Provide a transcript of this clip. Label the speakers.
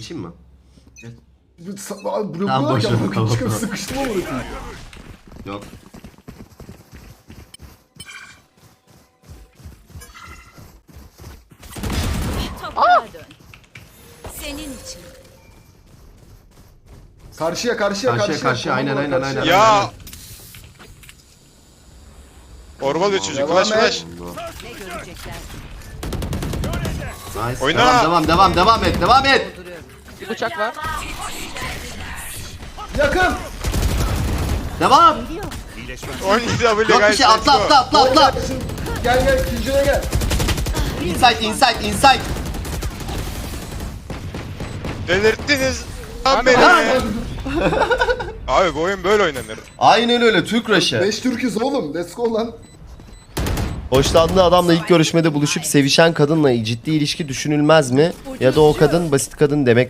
Speaker 1: Geçeyim mi?
Speaker 2: Tamam, boş ver, tamam.
Speaker 3: Çıkıp sıkıştım ama bırakayım.
Speaker 1: Yok.
Speaker 4: Toprağa dön. Senin için.
Speaker 3: Karşıya.
Speaker 1: Karşıya, aynen.
Speaker 5: Ya. Orbalıyor çocuk.
Speaker 3: Devam
Speaker 5: Flash
Speaker 3: et.
Speaker 5: flash.
Speaker 4: Ne görecekler?
Speaker 1: Nice.
Speaker 5: Oyna.
Speaker 1: Devam et.
Speaker 4: Dolduruyorum.
Speaker 6: Bir bıçak var.
Speaker 3: Yakın.
Speaker 1: Devam.
Speaker 5: 17 W
Speaker 1: Yok bir
Speaker 5: guys.
Speaker 1: şey,
Speaker 5: let's go.
Speaker 1: atla.
Speaker 3: Gel ikinciye gel.
Speaker 1: Inside.
Speaker 5: Delirttiniz. Lan beni. Abi bu oyun böyle oynanır.
Speaker 1: Aynen öyle, Türk Rush'ı.
Speaker 3: 5 Türk'üz oğlum. Let's go lan.
Speaker 7: Hoşlandığı adamla ilk görüşmede buluşup sevişen kadınla ciddi ilişki düşünülmez mi? Ya da o kadın basit kadın demek